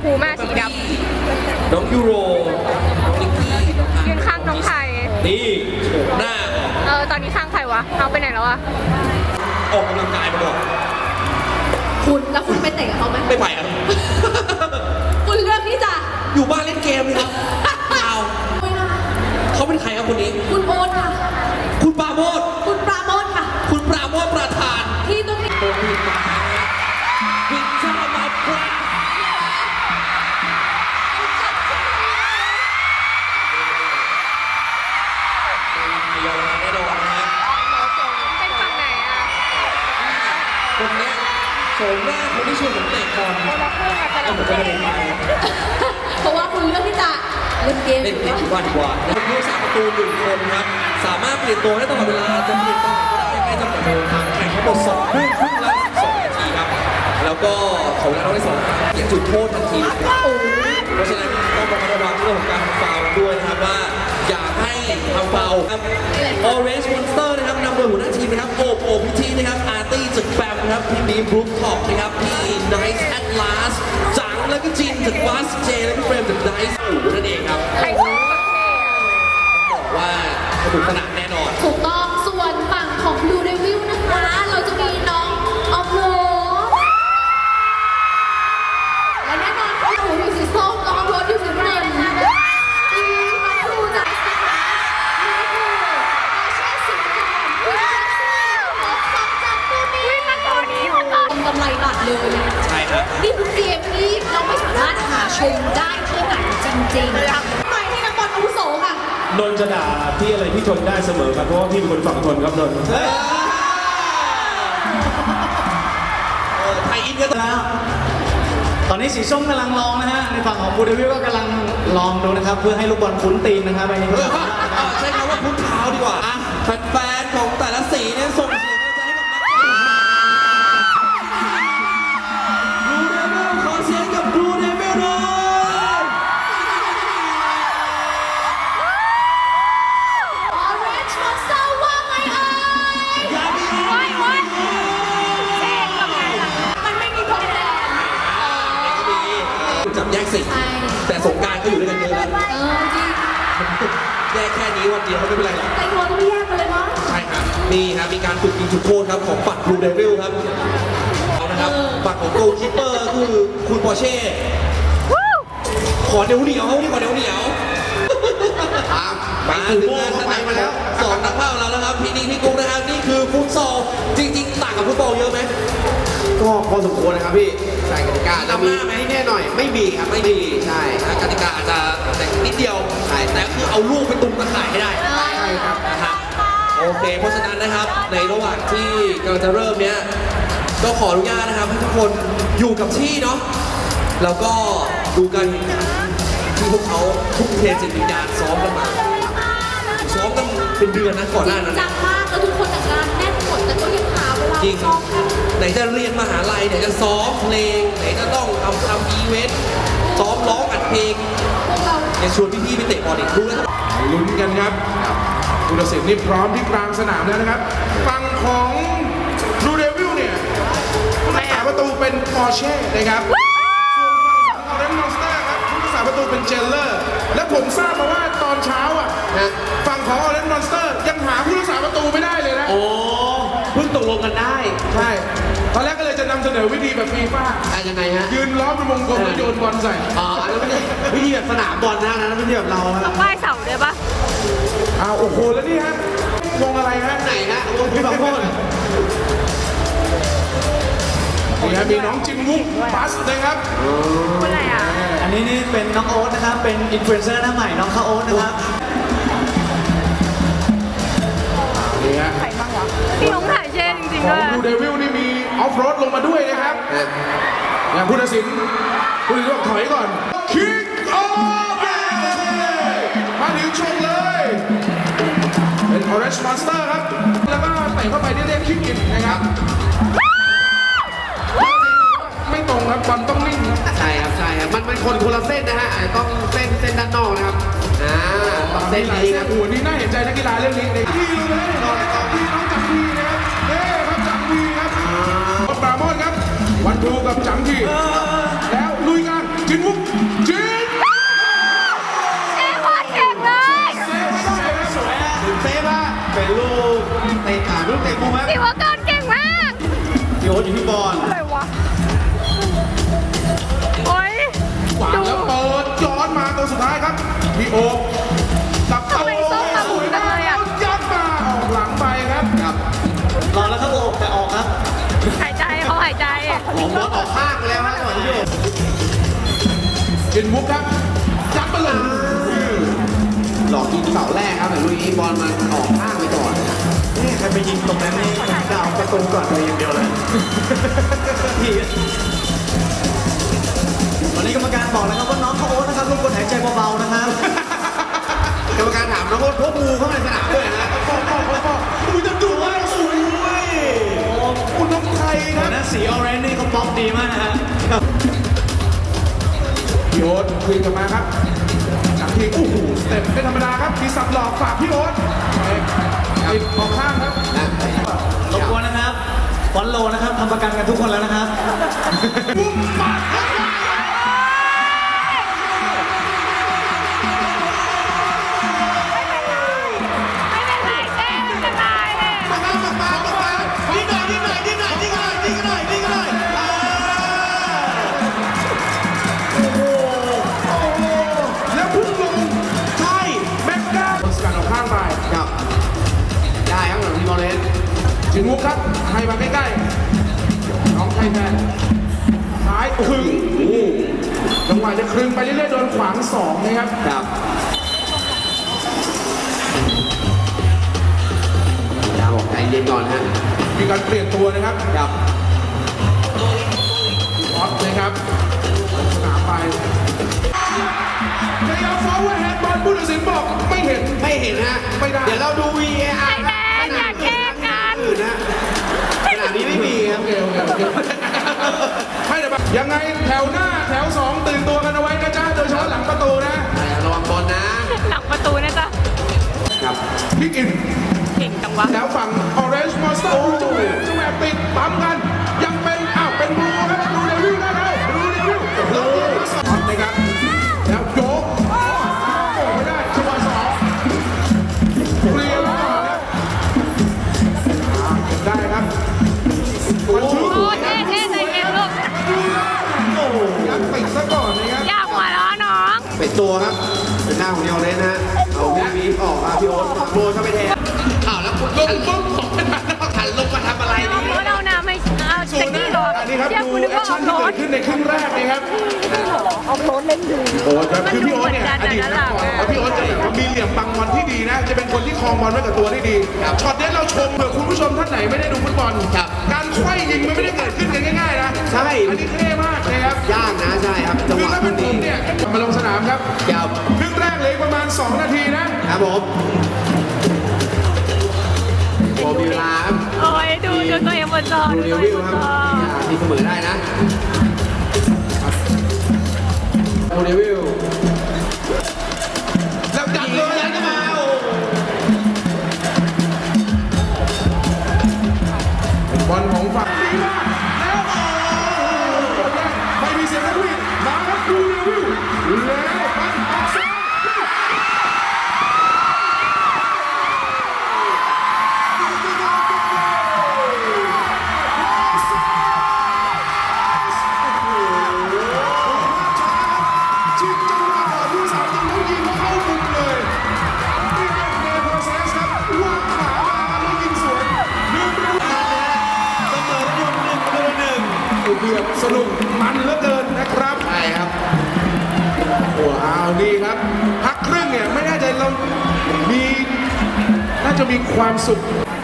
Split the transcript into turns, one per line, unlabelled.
พูแม่สีดำ
น้องยูโรน้องนิกกี้น้องอาร์
ยืนข้างน้องไทย
นี่โฉมหน้า
ตอนนี้ข้างใครวะ เอาไปไหนแล้วอะ
ออกกำลังกายมาบอก
คุณแล้วคุณไปเตะกับเขาไหม
ไม่ไปครับ
คุณเลือกที่จะ
อยู่บ้านเล่นเกมเลยครับเปล่า
ไม่นะ
เขาเป็นใครครับคนนี้
คุณโอ๊ตค่ะ
คุณปราโมท
คุณปราโมทค่ะ
คุณปราโมทประธาน
ที่ตรงนี้
โอ้ผิดมาผิดชามาปราเยาวราชแน่นอนนะฮะ
เป็นฝั่งไหนอะ
คนเนี้ยโฉมหน้าคนที่ชวนผมเตะบอล
คนละครึ่งอะจะ
เอ้าผมก็ไม่ได้ไป
เพราะว่าคุณเลือกที่จะเล่นเกม
เล่นเกมดีกว่าเป็นผู้สาประตูหนึ่งคนครับ สามารถเปลี่ยนตัวได้ตลอดเวลา จะเปลี่ยนตัวไหนก็ได้ไม่จำกัดเวลาแข่งทั้งหมด2 ครึ่งละ2 นาทีครับ แล้วก็ของเราได้2อย่างจุดโทษทันทีเลยครับ
โอ้ย
เพราะฉะนั้นต้องระมัดระวังเรื่องของการทำฟาวล์ด้วยนะครับว่าอย่าให้ทำฟาวล์ครับ Orange Monster นะครับนำโดยหัวหน้าทีมนะครับโอบพิธีนะครับอาร์ตี้จากแบมนะครับพี่บีบรูฟท็อปนะครับพี่ไนท์แอตลาสจังแล้วก็จินจากบัสเจและพี่เฟรมจากไดซ์อูนั่นเองครับ
ใครชอบประเทศอะ
บอกว่าสนุกสนานแน่นอน
ถูกต้องส่วนฝั่งของดูเดวิลนะคะ เราจะมีน้องออฟโรดและแน่นอนคุณหนูอยู่สีส้มน้องออฟโรดอยู่สีน้ำเงินทีมน้องครูจากสีฟ้านี่คืออาเช่สีแดงคุณแจ็คสันและซับจากตูนี่
วิ่งมาตัวนี้มาก่อน
กำไรหลักเลย
ใช่ครับ
นี่คือเกมที่เราไม่สามารถหาชมได้ที่ไหนจริงๆหมายที่นักบอลอาวุโสค่ะ
นนท์จะด่าพี่อะไรพี่ทนได้เสมอครับเพราะว่าพี่เป็นคนฝั่งทนครับนนท์
ไทยอินกันแล้ว
ตอนนี้สีส้มกำลังลองนะฮะ ในฝั่งของบูเดวิลก็กำลังลองดูนะครับ เพื่อให้ลูกบอลคุ้นตีนนะครับไปนี้
ใช้คำว่าพุ้นเท้าดีกว่าอ่ะแฟนๆของแต่ละสีเนี่ยส่งเสียงใจให้กับนักเตะบลูเดวิลขอเสียงกับบลูเดวิลหน่อย
Orange Monster ว่าไงเอ่ย
อย่ามี
โอ๊ยโอ๊ยเซ็งกับงานอะ
มันไม่มีพรมแดน
จับแยกสี
ใช่
แต่สงกรารก็อยู่ด้วยกันเยอะแล้ว
จริง
แยกแค่นี้วันเดียวไม่เป็นไรหรอก
แต่งตัวต้องแยกกันเลยเนาะ
ใช่ครับนี่ครับมีการฝึกยิงจุดโทษครับของฝั่งบลูเดวิลครับเอานะครับฝั่งของโกลคีปเปอร์คือคุณปอร์เช่ ขอเหนียวเหนียวนี่ขอเหนียวเหนียวมาถึงงานสนามมาแล้วสองนักภาพเราแล้วครับพี่นิกพี่กุ๊กนะครับนี่คือฟุตซอลจริงๆต่างกับฟุตบอลเยอะไหม
ก็พอสมควรนะครับพี่ใช่กติกาจะ
นำห
มี
น้าไหม
แน่หน่อยไม่มีครับ
ไม่ดี
ใช่
นะกติกาอาจจะแต่นิดเดียวแต่คือเอาลูกไปตุ้มตะข่ายให้ได้
ใช่ครับ
นะครับโอเคเพราะฉะนั้นนะครับในระหว่างที่กำลังจะเริ่มเนี้ยก็ขออนุญาตนะครับให้ทุกคนอยู่กับที่เนาะแล้วก็ดูกันที่พวกเขาทุ่มเทจิตวิญญาณซ้อมกันมาซ้อมกันเป็นเดือนนะก่อนหน้านั้น
จังมากแล้วทุกคนงานแน่นหมดแต่ก็ยังหาเวลา
จริง
ซ้อมกัน
ไหนจะเรียนมหาลัยไหนจะซ้อมเพลงไหนจะต้องทำอีเวนต์ซ้อมร้องอัดเพลง
พวกเรา
ยังชวนพี่ๆไปเตะบอลอีกรู้แล้ว
ลุ้นกันครับผู้ตัดสินนี่พร้อมที่กลางสนามแล้วนะครับฝั่งของบลูเดวิลเนี่ยผู้รักษาประตูเป็นปอร์เช่นะครับส่วนฝั่งของออเรนจ์มอนสเตอร์ครับผู้รักษาประตูเป็นเจลเลอร์ และผมทราบมาว่าตอนเช้าอ่ะฝั่งของออเรนจ์มอนสเตอร์ยังหาผู้รักษาประตูไม่ได้เลยนะ
โอ้เพิ่งตกลงกันได้
ใช่ตอนแรกก็เลยจะนำเสนอวิธีแบบฟีฟ่า
ยังไงฮะ
ยืนล้อมเป็นวงกลมแล้วโยนบอลใส่
อ๋ออันนั้นไม่ใช่วิธีแบบสนามบอลนะนะวิธีแบบเรา
ต้
ฮะ
องไหว้เสาด้วยปะ
อ้าวโอ้โหแล้วนี่ฮะวงอะไรฮะ
ไหนฮะวงพี่บางโพด
นี่ฮะมีน้องจินวุ้งบัสนะครับ
คนอะไรอ่ะ
อันนี้นี่เป็นน้องโอ๊ตนะครับ เป็นอินฟลูเอนเซอร์หน้าใหม่น้องข้าวโอ๊ตนะครับ
นี่ฮะ
ใครบ้างวะพี่น้องถ่ายเช่จริง
ข
ๆ
อง
ด้วย
บลูเดวิลนี่มีออฟโรดลงมาด้วยนะครับอย่างผู้ตัดสินบอกถอยก่อนคิกออฟมาถึงชมเลย เป็น Orange Monster ครับ แล้วก็เตะเข้าไปเรียกคิกอินนะครับ ไม่ตรงครับบอลต้องนิ่งครับ
ใช่ครับใช่ครับมันคนละเส้นนะฮะต้องเส้นด้านนอกนะครับต้องเส้น
หลาย
นี้
เส้
คน รับ
โอ้โหนี่น่าเห็นใจนักกีฬาเรื่องนี้เลยที่ลงไปแล้วพี่น้องจังทีนะครับเฮ้ครับจังทีครับปราโมทครับ วันทูกับจังทีแล้วลุยกันจินวุกจิน
เจ๊โคตรเก่งเลย
สวยฮะเซฟฮะเป็นลูกเตะขาลูกเตะมุมครับ
สิวกรเก่งมาก
พี่โอ๊ตอยู่ที่บอล
อะไรวะ โอ๊ย
ขวางแล้วเปิดย้อนมาตัวสุดท้ายครับพี่โอ๊คตับ
ทำไมส้มมาหมุนจังเลยอะ
ยัดมาออกหลังไปครับ
ครับ
รอแล้วครับโอ๊ตแต่ออกครับ
หายใจเขาหายใจ
ของบอลออกข้างไปแล้วฮะจังหวะนี้อยู่
จินวุกครับยัดมาเลย
หลอกยิงเสาแรกครับแต่ลูกนี้บอลมันออกข้างไปก่อน
นี่ใครไปยิงตรงนั้นนี่จะเอาประตูก่อนเลยอย่างเดียวเลยพี่ตอนนี้กรรมการบอกแล้วครับว่าน้องเขาโอ๊ตนะครับรบกวนหายใจเบาๆนะครับ
กรรมการถามแล้วก็พวกงูเข้ามาในสนามด้วยนะ
คุณจะดูว่าสวยคุณน้องไทยค
หั
รั
ว
บ
หน้าสีออเรนจ์นี่เขาป๊อปดีมากฮะ
พี่โอ๊ตคืนกลับมาครับจากที่โอ้โหสเต็ปไม่ธรรมดาครับมีสับหลอกฝากพี่โอ๊ตติดออกข้างครับ
รบกวนนะครับฟอนโลนะครับทำประกันกันทุกคนแล้วนะครับ
ปุ๊บปัดครับ
ไม่เป็นไรเจ๊มันจะตายเลย
มานิดหน่อย
แล้วพุ่งลงใช่แม็กด้าสกัดออกข้างไป
ครับได้ครับหลังทีมบอลเลน
จินมุกครับให้มาใกล้ๆน้องไทยแมนซ้ายครึงจังหวะจะครึงไปเรื่อยๆโดนขวางสองนะครับ
ครับดาบอกใจเย็นก่อนฮะ
มีการเปลี่ยนตัวนะครับ
ครับ
ออสนะครับสนามไปพยายามฟ้องว่าแฮนด์บอลผู้ตัดสินบอกไม่เห็น
ไม่เห็นฮะ
ไม่ได้
เดี๋ยวเราดู VAR
ไอ้แดงอย่าแกล้งกัน
อื่นนะขนาดนี้ไม่มีครับ
โอเคไม่แต่แบบยังไงแถวหน้าแถวสองตื่นตัวกันเอาไว้นะจ๊ะโดยเฉพาะหลังประตูนะ
ระวังบอลนะ
หลังประตูนะจ๊ะ
ครับ
พี่กิน
เก่งจังวะ
แล้วฝั่ง Orange Monster จะแหวกติดปั๊มกัน ยังเป็นเป็นบลูครับบลูเดวิลได้แล้วบลูเดวิลแล้วเรียกมาสอนนะครับ แล้วโยกโอ้ไม่ได้จังหวะสองเรียนก่อนครับเก็บได้ครับวันชื่อ
โอ้เท่ใจเย็นลูก
โอ้ยัดติดซะก่อนนะครับ
อย่าหัวเราะน้อง
เป็นตัวครับเป็นหน้าของเดียวเลยนะฮะเอาวีออกมาพี่โอ๊ตโบเข้าไปแทนอ้าวแล้วคุณ
ลงปุ๊บสองเป็น
หันลงมาทำอะไร
น้อง
นี่
รู้เรานะไม่เอา
ส่
แต่
วน
นี่หรอ
อันนี้ครับ
เรียก
ดู
คุณนึก
แอค
ว่าอ
ชั่
อน ก
ที่
ร
เกิ
ถ
ดขึ้นในครึ่งแรกนะครับ
ออกรถเล่นดู
โอ้ครับคือพี่โอ๊ตเนี่ยอดีตนักบอลแล้วพี่โอ๊ตจะแบบว่ามีเหลี่ยมบังบอลที่ดีนะ จะเป็นคนที่ครองบอลไว้กับตัวได้ดีช็อตนี้เราชมเผื่อคุณผู้ชมท่านไหนไม่ได้ดูฟุตบอลการไขว้ยิงมันไม่ได้เกิดขึ้นกันง่ายๆนะ
ใช่
อันนี้เท่มากนะครับ
ยากนะใช่ครับจังห
คือ
วะ
ถ้าเป็นผมเนี่ยมาลงสนามครับ
ยาว
ครึ่งแรกเหลยประมาณ 2 นาทีนะ
ครับผมโอมีเวลาครับ
โอ้ยดูตัวเองบนจอ
ดู
ดู
เรี
ตั
ยว
เอง
วิว
บน
ครับ
จอ
ทีเสมอได้นะโอเดวิล
แล้วดักเลย
ยันเข้ามาโอ้
เป็นบอลของฝั่งดีมากแล้วไม่มีเสียงนักวิ่งมาครับดูเรวิวแล้วปันออกซ้าย จิงจังหวะก่อนผู้สาวต้องยิงเข้ามุมเลยนี่เป็นเนโพเซสครับวางขามาแล้วยิงสวนเรื่องเรื่อง
เสมอ1-1
เดือดสนุกมันเหลือเกินนะครับ
ใช่ครับ
โอ้เอาดีครับ พักครึ่งเนี่ยไม่แน่ใจเรามีน่าจะมีความสุข